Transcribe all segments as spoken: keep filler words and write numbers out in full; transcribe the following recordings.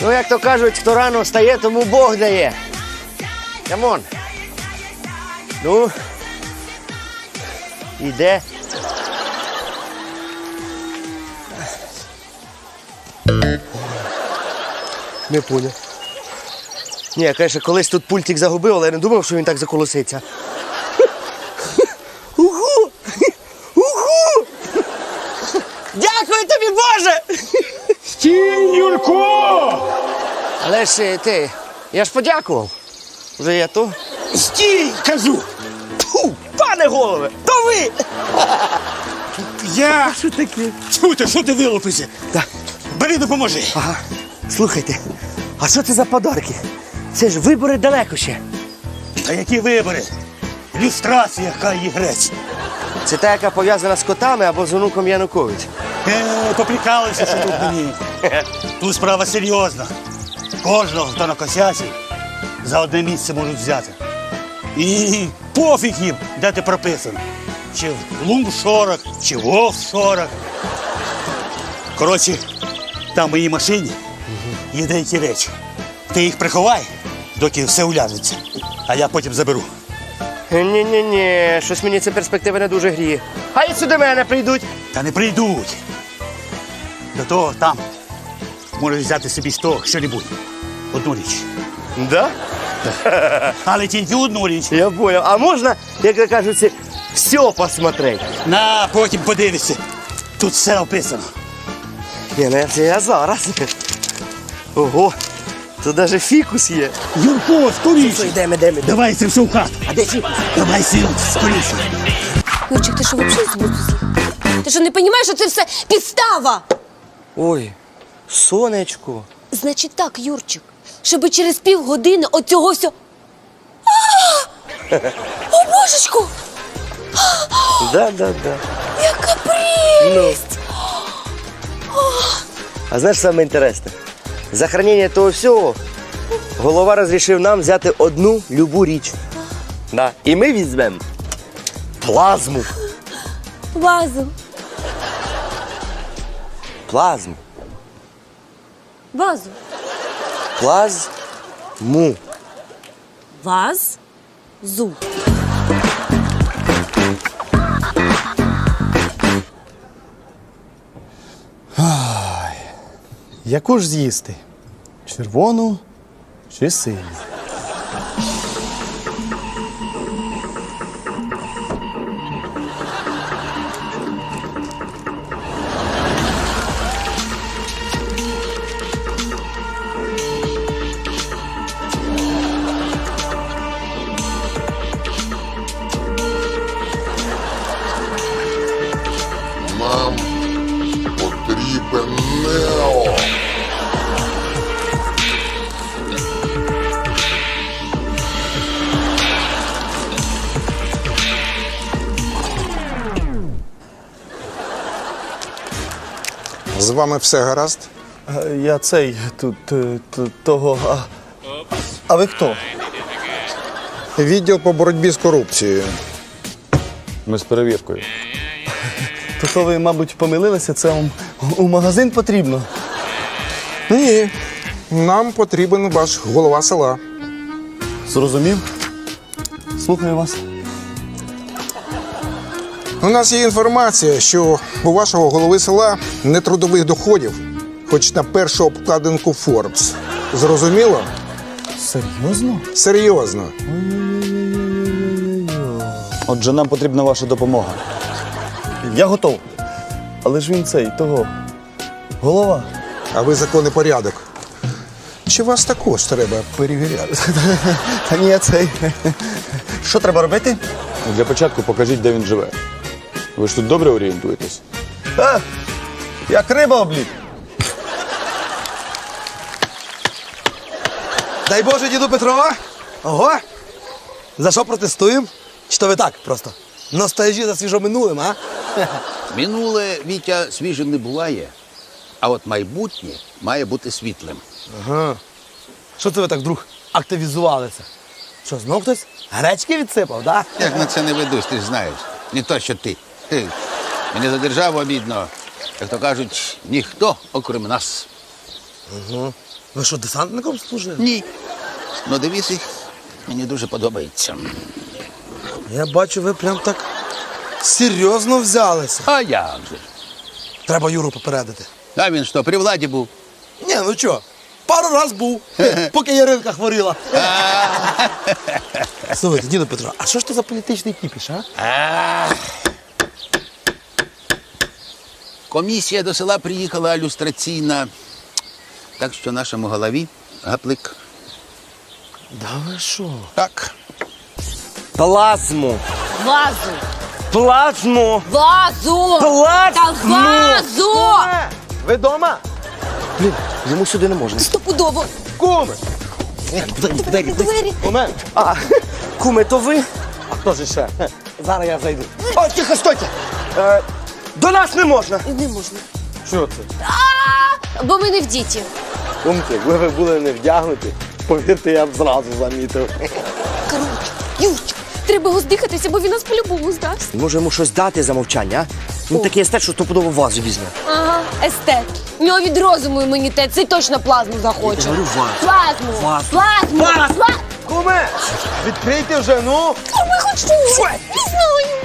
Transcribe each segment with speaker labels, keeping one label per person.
Speaker 1: Ну, як то кажуть, хто рано встає, тому Бог дає. Камон. Ну, іде. Не поняв. Ні, я, конечно, колись тут пультик загубив, але я не думав, що він так заколоситься. Угу! Угу! Дякую тобі, Боже!
Speaker 2: Стій, Юрко!
Speaker 1: Але ж ти, я ж подякував. Вже я то.
Speaker 2: Стій, кажу!
Speaker 1: Фу, пане голове, то ви!
Speaker 2: Я...
Speaker 1: Що таке?
Speaker 2: Тьфу ти, що ти вилупився?
Speaker 1: Так.
Speaker 2: Бери, допоможи.
Speaker 1: Ага. Слухайте, а що це за подарки? Це ж вибори далеко ще.
Speaker 2: Та які вибори? Люстрація, хай грець.
Speaker 1: Це та, яка пов'язана з котами або з онуком Януковича.
Speaker 2: Е, поприкалуйся, що тут мені. Тут справа серйозна. Кожного, хто накосячив, за одне місце можуть взяти. І пофіг їм, де ти прописаний. Чи в лумшорах, чи в офшорах. Коротше, там в моїй машині є деякі речі. Ти їх приховай, доки все уляжеться, а я потім заберу.
Speaker 1: Ні-ні-ні, щось мені ця перспектива не дуже гріє. Хай сюди мене прийдуть.
Speaker 2: Та не прийдуть. До того там можеш взяти собі з того що-небудь. Одну річ.
Speaker 1: Да?
Speaker 2: Але тільки одну річ.
Speaker 1: Я понял. А можна, як кажуть, все посмотреть?
Speaker 2: На, потім подивишся. Тут все описано.
Speaker 1: Ні, ну це я зараз. Ого, тут навіть фікус є.
Speaker 2: Юрко, скоріше.
Speaker 1: Що, йдемо, йдемо, йдемо.
Speaker 2: Давай це все в хату.
Speaker 1: А де фікус?
Speaker 2: Давай сил, скоріше.
Speaker 3: Юрчик, ти що взагалі з глузду з'їхав? Ти що не розумієш, що це все підстава?
Speaker 1: Ой, сонечко.
Speaker 3: Значить так, Юрчик, щоб через півгодини оцього все... О, божечку!
Speaker 1: Да, да, да.
Speaker 3: Яка прелість!
Speaker 1: А знаєш, саме інтересне? За хранення того всього голова розрішив нам взяти одну любу річ. Да. І ми візьмемо плазму.
Speaker 3: Вазу.
Speaker 1: Плазму.
Speaker 3: Вазу.
Speaker 1: Плазму.
Speaker 3: Ваз. Зу.
Speaker 4: Яку ж з'їсти? Червону чи синю?
Speaker 5: Нам потрібен Нео.
Speaker 6: З вами все гаразд?
Speaker 4: А, Я цей тут е, т- того. А, а ви хто?
Speaker 6: Відділ по боротьбі з корупцією.
Speaker 7: Ми з перевіркою.
Speaker 4: То, то ви, мабуть, помилилися, це вам у магазин потрібно.
Speaker 6: Ні. Нам потрібен ваш голова села.
Speaker 4: Зрозумів? Слухаю вас.
Speaker 6: У нас є інформація, що у вашого голови села нетрудових доходів, хоч на першу обкладинку Forbes. Зрозуміло?
Speaker 4: Серйозно?
Speaker 6: Серйозно.
Speaker 7: Отже, нам потрібна ваша допомога.
Speaker 4: Я готов. Але ж він цей, того. Голова.
Speaker 6: А ви закон і порядок. Чи вас також треба перевіряти?
Speaker 4: Та ні, я цей. Що треба робити?
Speaker 7: Для початку покажіть, де він живе. Ви ж тут добре орієнтуєтесь?
Speaker 4: А, як риба облік.
Speaker 8: Дай Боже, діду Петрова. Ого. За що протестуємо? Чи то ви так просто? Ностальжі за свіжо минулим, а?
Speaker 9: Минуле, Вітя, свіжим не буває, а от майбутнє має бути світлим.
Speaker 8: Ага. Що це ви так вдруг активізувалися? Що, знов хтось гречки відсипав, да?
Speaker 9: Як на це не ведусь, ти ж знаєш. Не то, що ти. Ти. Мені за державу обідно. Як то кажуть, ніхто, окрім нас.
Speaker 8: Ви що, десантником служили?
Speaker 9: Ні. Ну, девіз їх мені дуже подобається.
Speaker 8: Я бачу, ви прям так серйозно взялися.
Speaker 9: А як же?
Speaker 8: Треба Юру попередити.
Speaker 9: А він що, при владі був?
Speaker 8: Ні, ну що, пару раз був, поки Яринка хворіла. Слухайте, діду Петро, а що ж то за політичний кіпіш, а?
Speaker 9: Комісія до села приїхала люстраційна. Так що нашому голові гаплик.
Speaker 8: Да ви що?
Speaker 9: Так.
Speaker 1: Плазму.
Speaker 3: Вазу!
Speaker 1: Плазму.
Speaker 3: Вазу!
Speaker 1: Плазму.
Speaker 3: Та вазу!
Speaker 4: Ви дома?
Speaker 1: Блін, йому сюди не можна.
Speaker 3: Стопудово!
Speaker 4: Куми!
Speaker 3: Двері, двері!
Speaker 4: Момент.
Speaker 1: А, куме, то ви?
Speaker 4: А хто ж ще? Хе, Зараз я зайду.
Speaker 1: О, тихо, стойте! Е, до нас не можна.
Speaker 3: Не можна.
Speaker 4: Що це?
Speaker 3: Бо ми не в діті.
Speaker 4: Кумки, якби ви були не вдягнуті, повірте, я б зразу замітив.
Speaker 3: Коротше, Юрчик, треба його здихатися, бо він нас по-любому здався.
Speaker 1: Може йому щось дати за мовчання, а? Він такий естет, що стопудово вазу візьме.
Speaker 3: Ага, естет. У нього від розуму імунітет, цей точно плазму захоче.
Speaker 1: Я говорю, вазу.
Speaker 3: Плазму!
Speaker 1: Вазу.
Speaker 3: Плазму! Плазму!
Speaker 4: Куме! Відкрийте вже, ну!
Speaker 3: Ми хоч щось. Не знаю.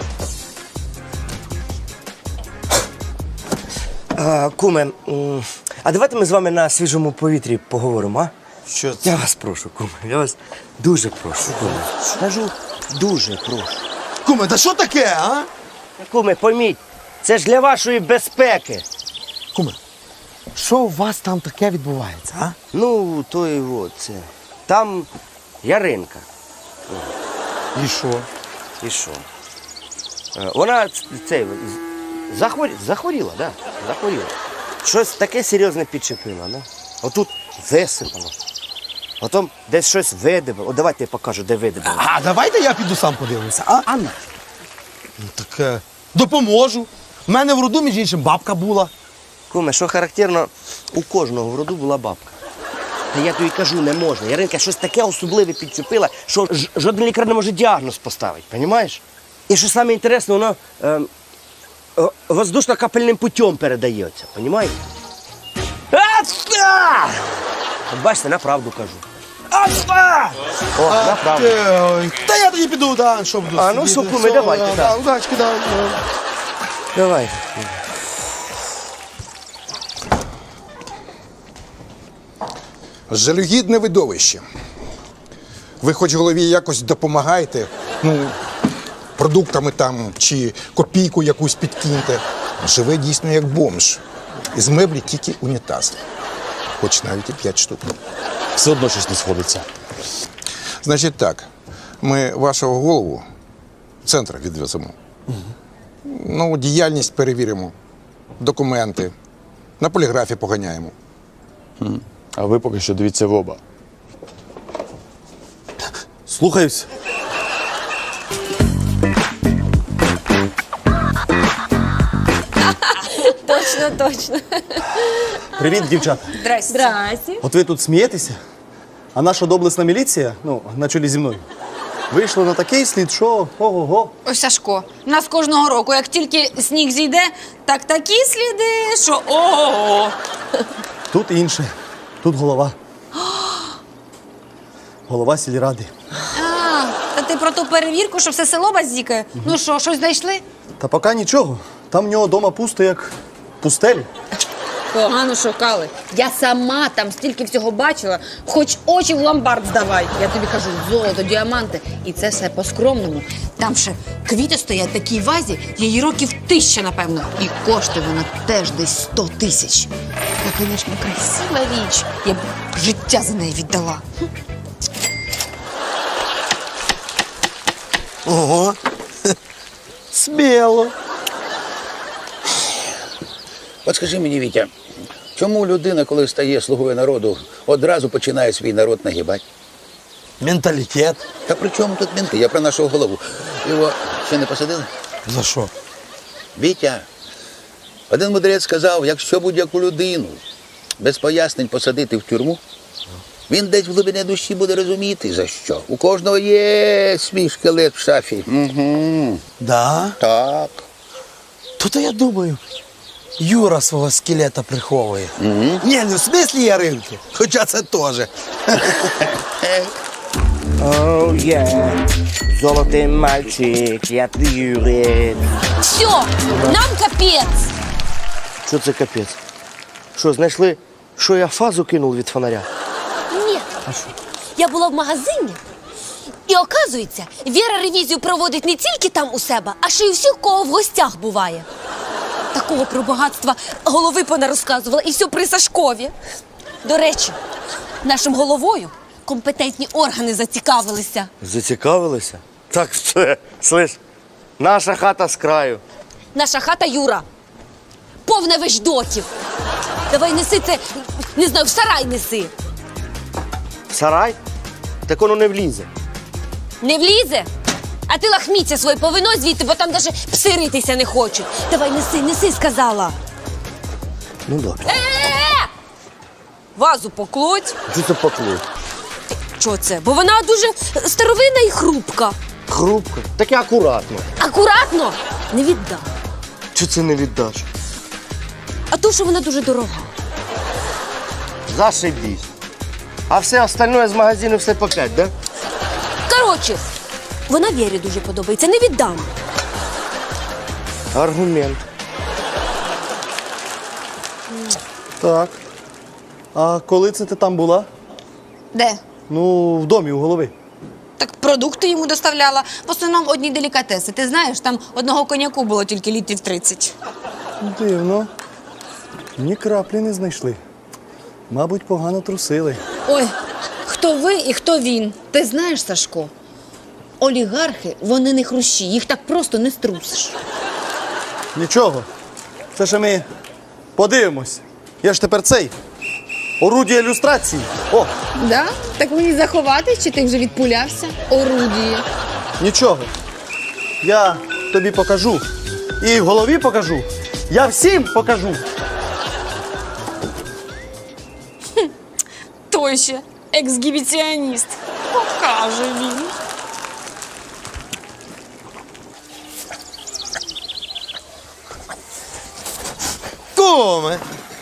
Speaker 1: А, куме, м, а давайте ми з вами на свіжому повітрі поговоримо, а?
Speaker 8: Що це?
Speaker 1: Я вас прошу, куме, я вас дуже прошу, куме. Скажу, дуже прошу.
Speaker 8: Куме, та що таке, а?
Speaker 1: Куме, поміть, це ж для вашої безпеки.
Speaker 8: Куме, що у вас там таке відбувається, а?
Speaker 1: Ну, то і от це. Там Яринка.
Speaker 8: І що?
Speaker 1: І що? Е, Вона ц- це, з- захворі... захворіла, да? Захворіла. Щось таке серйозне підчепила, да? Отут висипало. Потім десь щось видибало. От давайте я покажу, де видибало.
Speaker 8: А давайте я піду сам подивлюся, а?
Speaker 1: А на.
Speaker 8: Ну так е, допоможу. У мене в роду, між іншим, бабка була.
Speaker 1: Куме, що характерно, у кожного в роду була бабка. Та я тобі кажу, не можна. Яринка щось таке особливе підчепила, що ж- жоден лікар не може діагноз поставити, розумієш? І що саме інтересне, воно е, е, воздушно-капельним путем передається, розумієш? Ацка! От бачите, на правду кажу. Ацка! О, на правду.
Speaker 8: Ой, Та я тоді піду, да, що буду
Speaker 1: А, ну,
Speaker 8: сидіти.
Speaker 1: що, куме, давайте,
Speaker 8: да,
Speaker 1: да.
Speaker 8: да, удачки, да.
Speaker 1: Давай.
Speaker 6: Жалюгідне видовище. Ви хоч голові якось допомагаєте, ну, продуктами там чи копійку якусь підкиньте. Живе дійсно як бомж. Із меблі тільки унітаз. Хоч навіть і п'ять штук.
Speaker 7: Все одно щось не сходиться.
Speaker 6: Значить так, ми вашого голову в центр відвеземо. Ну, діяльність перевіримо, документи, на поліграфі поганяємо.
Speaker 7: А ви поки що дивіться в оба.
Speaker 4: Слухаюсь.
Speaker 3: Точно, точно.
Speaker 4: Привіт, дівчата.
Speaker 3: Здрасте. Здрасте.
Speaker 4: От ви тут смієтеся, а наша доблесна міліція, ну, на чолі зі мною, вийшла на такий слід, що ого-го.
Speaker 10: Ось Сашко, у нас кожного року, як тільки сніг зійде, так такі сліди, що ого-го.
Speaker 4: Тут інше, тут голова. Голова сільради.
Speaker 10: А, та ти про ту перевірку, що все село базікає? Ну що, щось знайшли?
Speaker 4: Та поки нічого. Там в нього дома пусто, як пустелі.
Speaker 10: Погано шукали. Я сама там стільки всього бачила, хоч очі в ломбард здавай. Я тобі кажу, золото, діаманти. І це все по-скромному. Там ще квіти стоять в такій вазі, її років тисяча, напевно. І коштує вона теж десь сто тисяч. Та, звісно, красива річ. Я б життя за неї віддала.
Speaker 8: Ого. Сміло.
Speaker 9: От скажи мені, Вітя, чому людина, коли стає слугою народу, одразу починає свій народ нагибати?
Speaker 8: Менталітет.
Speaker 9: Та при чому тут мінти? Я про нашого голову. Його ще не посадили?
Speaker 8: За що?
Speaker 9: Вітя, один мудрець сказав, якщо будь-яку людину без пояснень посадити в тюрму, він десь в глибині душі буде розуміти, за що. У кожного є свій шкелет в шафі. Угу.
Speaker 8: Да?
Speaker 9: Так.
Speaker 8: То-то я думаю, Юра свого скелета приховує. Ні, не в смислі яринки, хоча це теж.
Speaker 1: Оу, є. Золотий мальчик, я юрець.
Speaker 3: Все, нам капець.
Speaker 1: Що це капець? Що, знайшли, що я фазу кинув від фонаря?
Speaker 3: Ні. Я була в магазині, і оказується, Віра ревізію проводить не тільки там у себе, а ще й у всіх, кого в гостях буває. Такого про багатства голови пона розказувала, і все при Сашкові. До речі, нашим головою компетентні органи зацікавилися.
Speaker 1: Зацікавилися? Так все, слиш, наша хата з краю.
Speaker 3: Наша хата Юра. Повна вещдоків. Давай неси це, не знаю, в сарай неси.
Speaker 1: Сарай? Так воно не влізе.
Speaker 3: Не влізе? А ти лахміття своє повино звідти, бо там навіть пси ритися не хочуть. Давай неси, неси, сказала.
Speaker 1: Ну добре.
Speaker 3: Е-е-е! Вазу покладь.
Speaker 1: Що це поклик?
Speaker 3: Що це? Бо вона дуже старовинна і хрупка.
Speaker 1: Хрупко. Таке акуратно.
Speaker 3: Акуратно не віддам.
Speaker 1: Чи це не віддаш?
Speaker 3: А то, що вона дуже дорога.
Speaker 1: Зашибісь. А все остальное з магазину все по п'ять, да?
Speaker 3: Коротше, вона Вірі дуже подобається, не віддам.
Speaker 1: Аргумент.
Speaker 4: Так. А коли це ти там була?
Speaker 10: Де?
Speaker 4: Ну, в домі, у голови.
Speaker 10: Так продукти йому доставляла. В основному одні делікатеси. Ти знаєш, там одного коньяку було тільки літрів тридцять.
Speaker 4: Дивно. Ні краплі не знайшли. Мабуть, погано трусили.
Speaker 10: Ой, хто ви і хто він? Ти знаєш, Сашко, олігархи, вони не хрущі, їх так просто не струсиш.
Speaker 4: Нічого. Це ще ми подивимось. Я ж тепер цей. Орудія ілюстрації. О,
Speaker 10: Да? Так мені заховати, чи ти вже відпулявся? Орудіє.
Speaker 4: нічого. Я тобі покажу. І в голові покажу. Я всім покажу.
Speaker 10: Той ще ексгібіціоніст. Покаже він.
Speaker 8: Куме!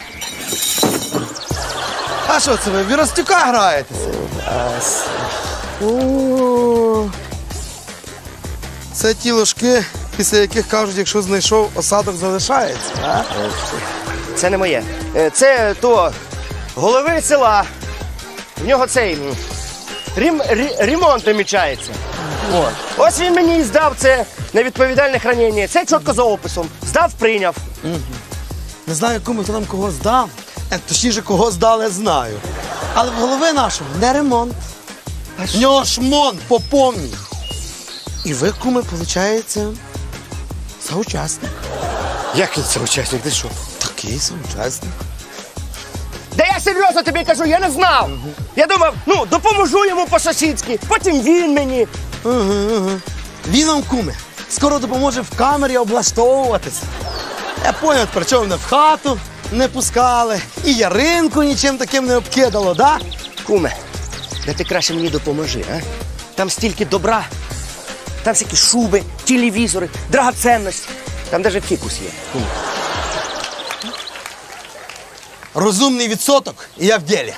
Speaker 8: А що це ви, в Віростюка граєтеся? О, це ті ложки, після яких кажуть, якщо знайшов, осадок залишається. А?
Speaker 1: Це не моє. Е, Це то голови села. В нього цей м, рім, рі, ремонт намічається. От. Ось він мені і здав це невідповідальне хранення. Це чітко за описом. Здав, прийняв.
Speaker 8: Не знаю, кому хто нам кого здав. Е, Точніше, кого здали, знаю. Але в голови нашого не ремонт. В нього шмон по повній. І ви, куме, виходить, соучасник.
Speaker 1: Як він це учасник? Ти що?
Speaker 8: Такий соучасник.
Speaker 1: Да я серйозно тобі кажу, я не знав. Я думав, ну, допоможу йому по-сусідськи, потім він мені.
Speaker 8: Він нам, куме, скоро допоможе в камері облаштовуватися. Я поняв, при чому мене в хату не пускали, і Яринку нічим таким не обкидало, да?
Speaker 1: Куме, да ти краще мені допоможи, а? Там стільки добра. Там всякі шуби, телевізори, драгоценності. Там навіть фікус є. Куме.
Speaker 8: Розумний відсоток, і я в ділі.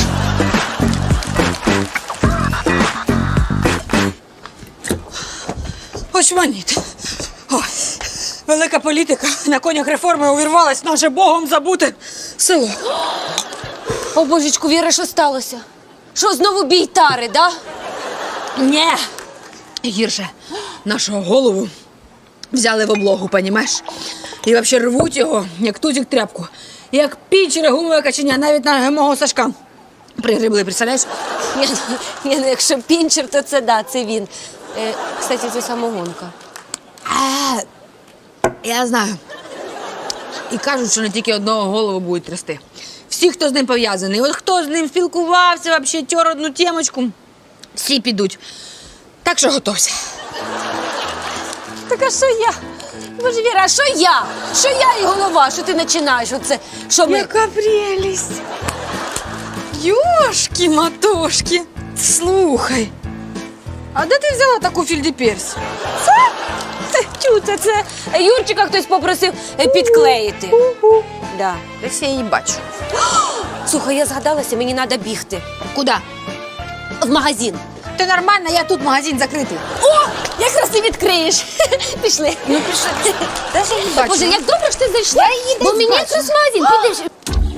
Speaker 11: Очманіт. Ой, велика політика на конях реформи увірвалась в наше богом забуте село.
Speaker 3: О, божечку, Віра, що сталося? Що, знову бій тари, да?
Speaker 10: Ні. Гірше. Нашого голову взяли в облогу, понімаєш? І взагалі рвуть його, як тузик тряпку. Як пінчере гумове каченя, навіть на мого Сашка пригребли, представляєш?
Speaker 3: Ні, ні, ну, якщо пінчер, то це да, це він. Е, кстати, це самогонка.
Speaker 10: А, я знаю. І кажуть, що не тільки одного голову будуть трясти. Всі, хто з ним пов'язаний. От хто з ним спілкувався, взагалі тер одну темочку, всі підуть. Так що готовся.
Speaker 3: Так а що я? Боже, Віра, а що я? Що я і голова? Що ти починаєш? Оце, що ми...
Speaker 11: Яка прелість! Йошки-матошки! Слухай, а де ти взяла таку фільдіперсію?
Speaker 3: Чу, це, це Юрчика хтось попросив е, підклеїти. Да.
Speaker 10: Десь я її бачу.
Speaker 3: Слухай, я згадалася, мені треба бігти.
Speaker 10: Куди?
Speaker 3: В магазин.
Speaker 10: Ти нормально, я тут магазин закритий.
Speaker 3: О, якраз ти відкриєш. Пішли.
Speaker 10: Ну, пішли. Де ж я її бачу?
Speaker 3: Боже, як добре, що ти зайшла.
Speaker 10: Я її
Speaker 3: Бо
Speaker 10: десь
Speaker 3: мені
Speaker 10: бачу.
Speaker 3: якраз в магазин. Підеш.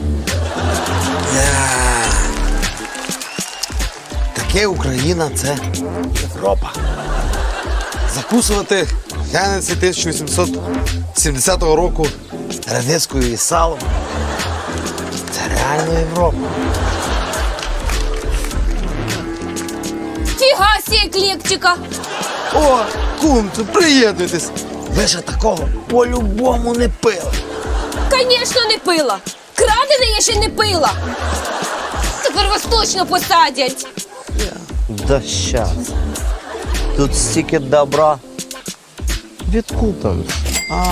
Speaker 8: Таке Україна це Європа. Закусувати гляниці тисяча вісімсот сімдесятого року редискою і салом. Це реально Європа.
Speaker 3: Фіга сі, еклектика.
Speaker 8: О, кум, то приєднуйтесь. Ви ж такого по-любому не пили.
Speaker 3: Звісно, не пила. Крадене я ще не пила. Тепер вас точно посадять.
Speaker 1: Да щас. Тут стільки добра. Відкупимо.
Speaker 8: Ага.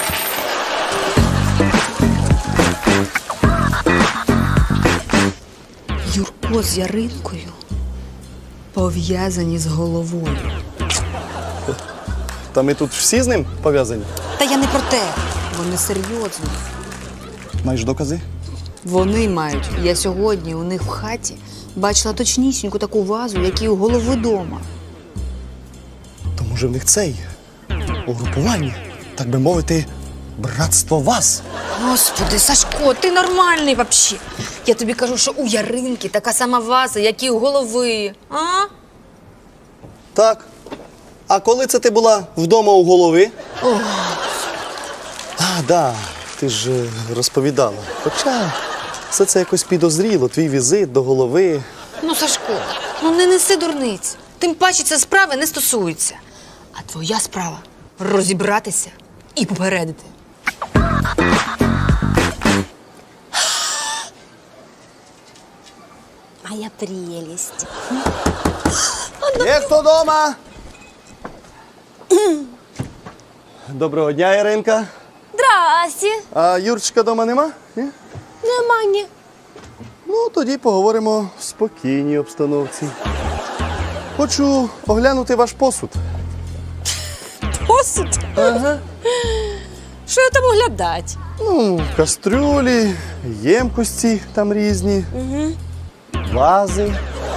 Speaker 11: Юрко з Яринкою пов'язані з головою.
Speaker 4: Та ми тут всі з ним пов'язані.
Speaker 11: Та я не про те. Вони серйозно.
Speaker 4: Маєш докази?
Speaker 11: Вони мають. Я сьогодні у них в хаті бачила точнісіньку таку вазу, як і у голови дома.
Speaker 4: То може в них цей угрупування, так би мовити, братство вас.
Speaker 11: Господи, Сашко, ти нормальний взагалі. Я тобі кажу, що у Яринки така сама ваза, як і у голови. А?
Speaker 4: Так. А коли це ти була вдома у голови? О. А, да, ти ж е, розповідала. Хоча все це якось підозріло, твій візит до голови.
Speaker 11: Ну, Сашко, ну не неси дурниць. Тим паче це справи не стосується. А твоя справа розібратися і попередити.
Speaker 3: Моя прелесть.
Speaker 4: Є хто дома? Доброго дня, Іринка.
Speaker 3: Здрасте.
Speaker 4: А Юрчика дома нема? Ні?
Speaker 3: Нема ні.
Speaker 4: Ну, тоді поговоримо в спокійній обстановці. Хочу оглянути ваш посуд.
Speaker 3: Посуд?
Speaker 4: Ага.
Speaker 3: Що я там оглядати?
Speaker 4: Ну, кастрюлі, ємкості там різні,
Speaker 3: Угу.
Speaker 4: вази.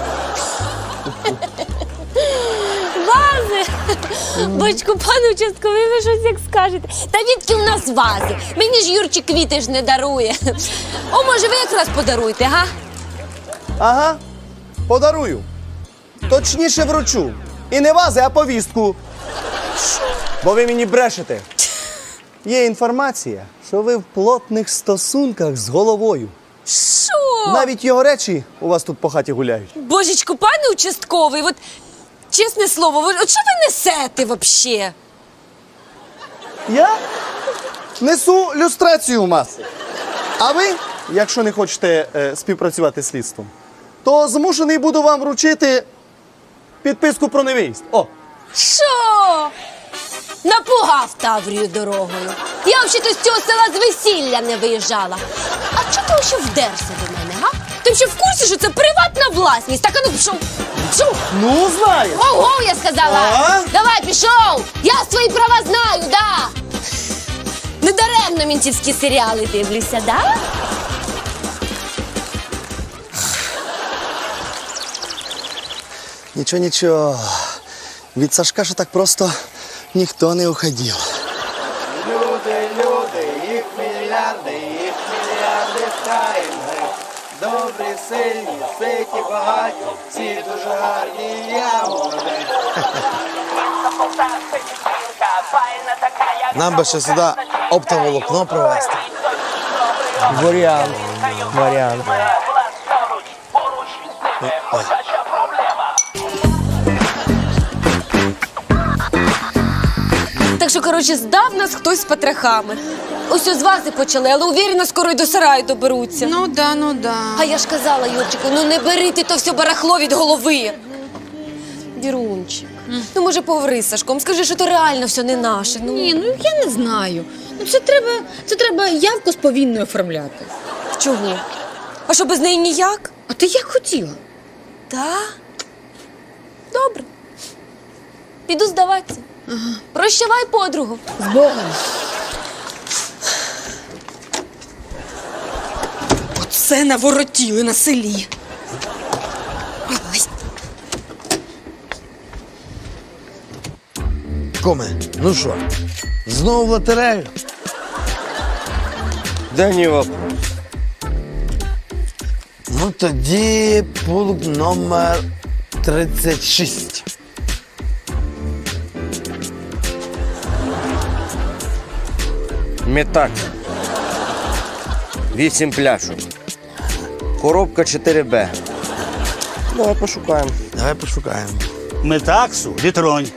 Speaker 3: Вази? Бочку, пане участковий, ви щось як скажете. Та відки у нас вази? Мені ж Юрчик квіти ж не дарує. О, може, ви якраз подаруєте, га?
Speaker 4: Ага, подарую. Точніше вручу. І не вази, а повістку. Бо ви мені брешете. Є інформація, що ви в плотних стосунках з головою.
Speaker 3: Що?
Speaker 4: Навіть його речі у вас тут по хаті гуляють.
Speaker 3: Божечку, пане участковий, от чесне слово, ви- от що ви несете взагалі?
Speaker 4: Я несу люстрацію в маси. А ви, якщо не хочете е, співпрацювати з слідством, то змушений буду вам вручити підписку про невиїзд. О,
Speaker 3: Що? Напугав Таврію дорогою. Я взагалі з цього села з весілля не виїжджала. А чого ти ще вдерся до мене, га? Ти ще в курсі, що це приватна власність? Так, а ну пішов. Пішов.
Speaker 4: ну знаєш.
Speaker 3: Ого, я сказала.
Speaker 4: А?
Speaker 3: Давай, пішов. Я свої права знаю, да. Недаремно мінцівські серіали дивлюся, да?
Speaker 4: Нічого, нічого. Від Сашка ж так просто ніхто не уходив. Люди, люди, їх мільярди, їх мільярди тайми. Добрі, сильні, ситі, багаті, всі дуже гарні, я молодець.
Speaker 8: Нам би ще сюди оптоволокно провести.
Speaker 1: Варіант. Варіант.
Speaker 3: Так що, коротше, здав нас хтось з потрохами. Ось з вази почали, але уверена, скоро й до сараю доберуться.
Speaker 11: Ну да, ну да.
Speaker 3: А я ж казала, Юрчику, ну не бери ти то все барахло від голови. Вірунчик, ну може поговори з Сашком, скажи, що то реально все не наше. Ну.
Speaker 10: Ні, ну я не знаю. Ну це треба, це треба явку з повинною оформляти.
Speaker 3: Чого? А що, без неї ніяк?
Speaker 10: А ти як хотіла?
Speaker 3: Так? Добре. Піду здаватися. Прощавай, подругу.
Speaker 10: З Богом.
Speaker 11: Оце наворотіли на селі. Ой.
Speaker 8: Коме, ну що, знову в лотерею?
Speaker 1: Да ні вопрос.
Speaker 8: Ну тоді пункт номер тридцять шість.
Speaker 1: Метак. Вісім пляшок. Коробка чотири Б. Давай пошукаємо.
Speaker 8: Давай пошукаємо.
Speaker 2: Метаксу, літронь.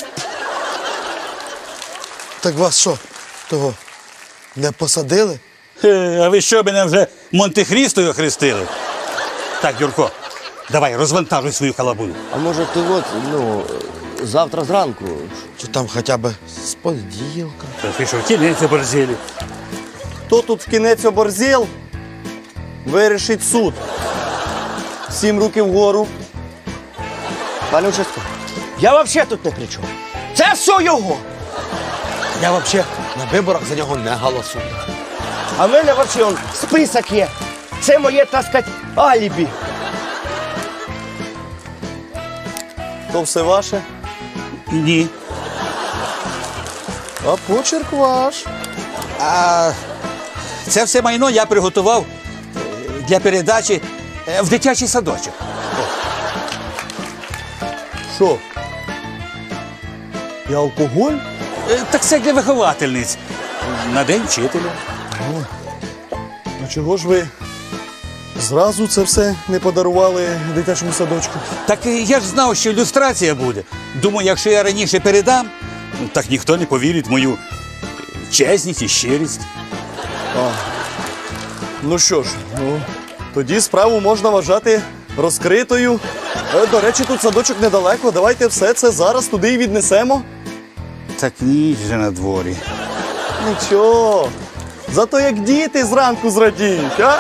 Speaker 8: Так вас що, того, не посадили?
Speaker 2: Е, А ви що, мене вже Монте-Хрістою охрестили? Так, Юрко, давай, розвантажуй свою халабуду.
Speaker 1: А може ти от, ну, завтра зранку?
Speaker 8: Чи там хоча б з понеділка?
Speaker 2: Та ти що, кінець оборзілі?
Speaker 4: Хто тут в кінець оборзіл, вирішить суд. Сім руки вгору.
Speaker 1: Пане участковий, я взагалі тут не при чому. Це все його.
Speaker 8: Я взагалі на виборах за нього не голосую.
Speaker 1: А в мене взагалі он, список є. Це моє, так сказати, алібі.
Speaker 4: То все ваше,
Speaker 2: Ні.
Speaker 4: а почерк ваш.
Speaker 2: А це все майно я приготував е, для передачі е, в дитячий садочок.
Speaker 4: Що? І алкоголь?
Speaker 2: Е, Так це для виховательниць. На день вчителя.
Speaker 4: А чого ж ви зразу це все не подарували дитячому садочку?
Speaker 2: Так е, я ж знав, що ілюстрація буде. Думаю, якщо я раніше передам, ну, так ніхто не повірить в мою чесність і щирість.
Speaker 4: Ну що ж, ну, тоді справу можна вважати розкритою. Е, До речі, тут садочок недалеко. Давайте все це зараз туди і віднесемо.
Speaker 2: Так ніч же на дворі.
Speaker 4: Нічого. Зато як діти зранку зрадіють, а?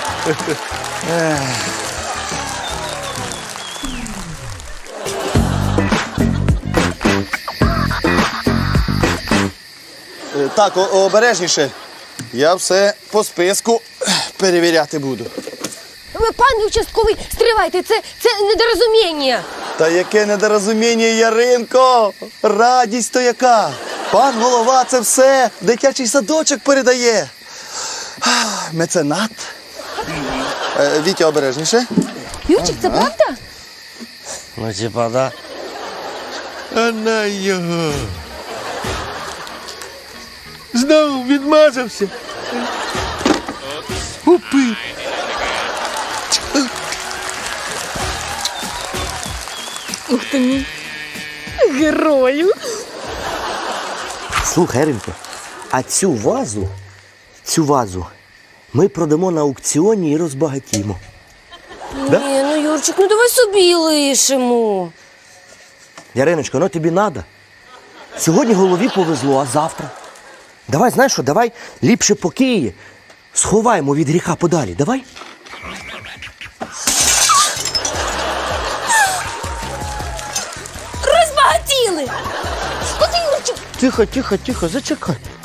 Speaker 4: Е, Так, о- обережніше. Я все по списку перевіряти буду.
Speaker 3: Ви, пане участковий, стривайте, це, це недорозуміння.
Speaker 4: Та яке недорозуміння, Яринко! Радість то яка! Пан голова це все дитячий садочок передає. Ах, Меценат. Е, Вітя, обережніше.
Speaker 3: Юрчик, це правда?
Speaker 1: Ну, типа, да.
Speaker 4: А на його. Знову відмазався. Упи.
Speaker 3: Ух ти мій герою.
Speaker 1: Слухай, Ринко, а цю вазу, цю вазу ми продамо на аукціоні і розбагатімо.
Speaker 3: Ні, ну Юрчик, ну давай собі лишимо.
Speaker 1: Яриночко, ну тобі надо. Сьогодні голові повезло, а завтра? Давай, знаєш що, давай ліпше по Києві сховаємо від гріха подалі, давай?
Speaker 3: Розбагатіли. От Юрчик.
Speaker 1: Тихо, тихо, тихо, зачекай.